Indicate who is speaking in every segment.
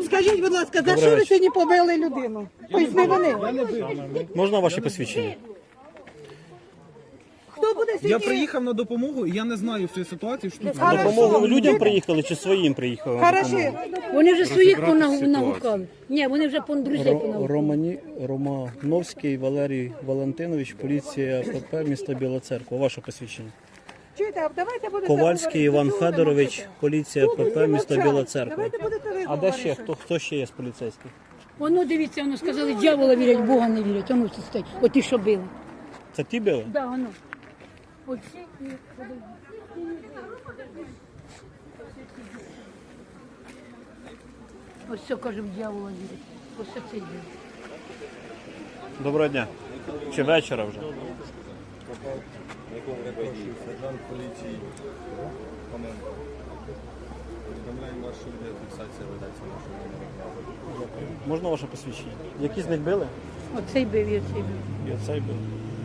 Speaker 1: Скажіть, будь ласка, за що ви сьогодні побили людину? Тобто не вони.
Speaker 2: Можна ваші посвідчення?
Speaker 1: Хто буде сьогодні?
Speaker 3: Я приїхав на допомогу, і я не знаю всієї ситуації, що тут.
Speaker 1: Хорошо.
Speaker 2: Допомогу людям приїхали чи своїм приїхали? на допомогу?
Speaker 1: Хорошо.
Speaker 4: Вони вже своїх понагукали. Ні, вони вже друзей понагукали.
Speaker 2: Романовський Валерій Валентинович, поліція ПП, місто Біла Церква. Ваше посвідчення.
Speaker 1: Чуєте, а давайте будете
Speaker 2: Ковальський Іван Федорович, поліція ПП, місто Біла Церква.
Speaker 1: Давайте будете ви
Speaker 2: А де ще?
Speaker 1: говорити.
Speaker 2: Хто ще є з поліцейських?
Speaker 4: Воно, дивіться, воно сказали, дьявола вірять, Бога не вірять. Воно все стоїть. От ті, що били.
Speaker 2: Це ті били?
Speaker 4: Да, воно. Оці і... Ось все, кажемо, дьявола вірять. Ось це цей день.
Speaker 2: Доброго дня. Чи вечора вже?
Speaker 5: Сержант поліції Хоменко. Повідомляємо вас, що відеофіксація ведеться нашого.
Speaker 2: Можна ваше посвідчення? Які з них били?
Speaker 4: Оцей бив, і оцей бив.
Speaker 2: І оцей бив.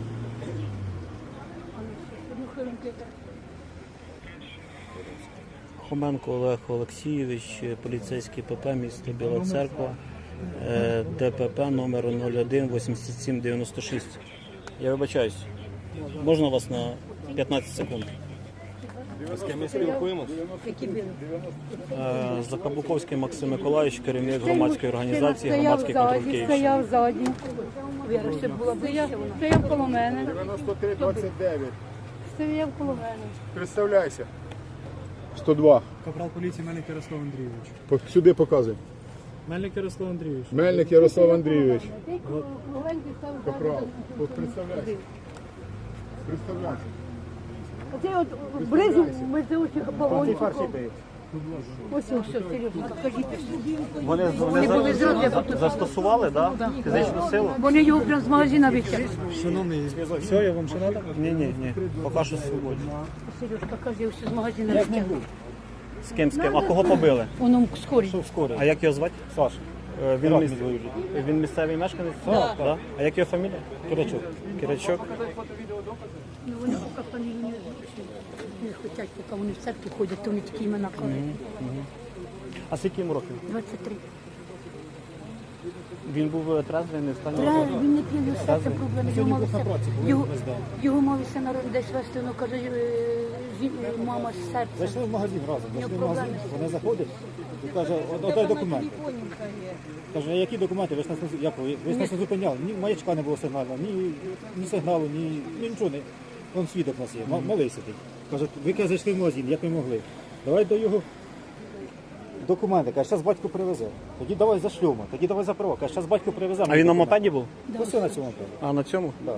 Speaker 2: Хоменко Олег Олексійович, поліцейський ПП, місто Біла Церква, ДПП номер 018796. Я вибачаюсь. Можна вас на 15 секунд?
Speaker 5: З ким ми спілкуємося?
Speaker 4: Які били?
Speaker 2: Закабуковський Максим Миколаївич, керівник громадської організації «Громадський контроль Київщини».
Speaker 6: Стояв ззаді,
Speaker 4: Віра, ще була ближче вона.
Speaker 6: стояв коло мене,
Speaker 7: 93-29.
Speaker 6: стояв коло мене.
Speaker 7: Представляйся. 102.
Speaker 3: Капрал поліції Мельник Ярослав Андрійович.
Speaker 7: Сюди показуй.
Speaker 3: Мельник Ярослав Андрійович.
Speaker 7: Мельник Ярослав Андрійович.
Speaker 6: Маленький став
Speaker 7: Капрал. От представляйся. Представляйся.
Speaker 6: Оцей от бризу ми за очі балончиком. Ось ось, Сережа, покажіть.
Speaker 2: Вони
Speaker 4: були зразу, я потім-
Speaker 2: застосували, да? Фізичну силу?
Speaker 4: Вони його прямо з магазина витягли.
Speaker 3: Шановний, все, я вам ще треба?
Speaker 2: Ні. Поки що свободні.
Speaker 4: Сережка каже, все з магазина витягли.
Speaker 2: З ким? А кого побили?
Speaker 4: Воно скорі.
Speaker 2: А як його звати? Саша. Він місцевий мешканець? Так. Да? А як його фамілія? Киричок.
Speaker 4: Ну, вони поки фамілію не хочуть, поки вони в церкві ходять, то вони такі імена кажуть.
Speaker 2: А скільки йому років?
Speaker 4: 23.
Speaker 2: Він був трезвий, не в стані
Speaker 4: Правильно,
Speaker 2: алкоголю?
Speaker 4: він не п'є, його серце проблеми. Його мали все народ десь вести, воно каже, мама з серцем.
Speaker 8: Зайшли в магазин разом,
Speaker 4: У нього
Speaker 8: зайшли в магазин,
Speaker 4: проблеми.
Speaker 8: вона заходить і каже, одай документи. Каже, а які документи? Ви ж нас не зупиняли. Ні маячка не було сигналу, ні сигналу, ні нічого. Вон свідок у нас є, малий сидить. Каже, ви зайшли в магазин, як ви могли. Давай до його документи. Каже, зараз батько привезе. Тоді давай за шлюма, тоді давай за права. Каже, зараз батько привезе.
Speaker 2: А він на мопеді був?
Speaker 8: Ось на цьому мопеді.
Speaker 2: А на цьому?
Speaker 8: Да.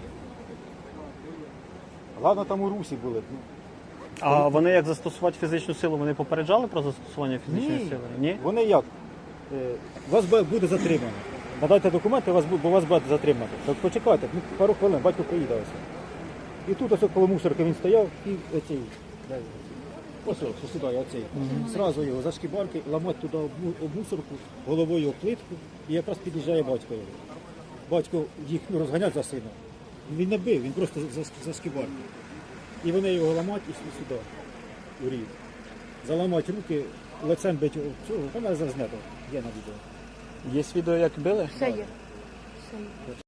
Speaker 8: Ладно, там у Русі були.
Speaker 2: А вони як застосувати фізичну силу, вони попереджали про застосування фізичної сили? Ні?
Speaker 8: Вони як? Вас буде затримано. Надайте документи, бо вас буде затримано. Так почекайте, пару хвилин, батько приїде ось. І тут ось коло мусорки він стояв і оцей, ось сідає оцей. Зразу його за шкібарки, ламати туди об мусорку, головою об плитку, і якраз під'їжджає батько його. Батько їх розганять за сина. Він не бив, він просто за шкібарки. І вони його ламають і сюди, у рів. Заламають руки, лицем бить цього, вона зазнято, є на відео.
Speaker 2: Є відео, як били?
Speaker 4: Все є. Все є.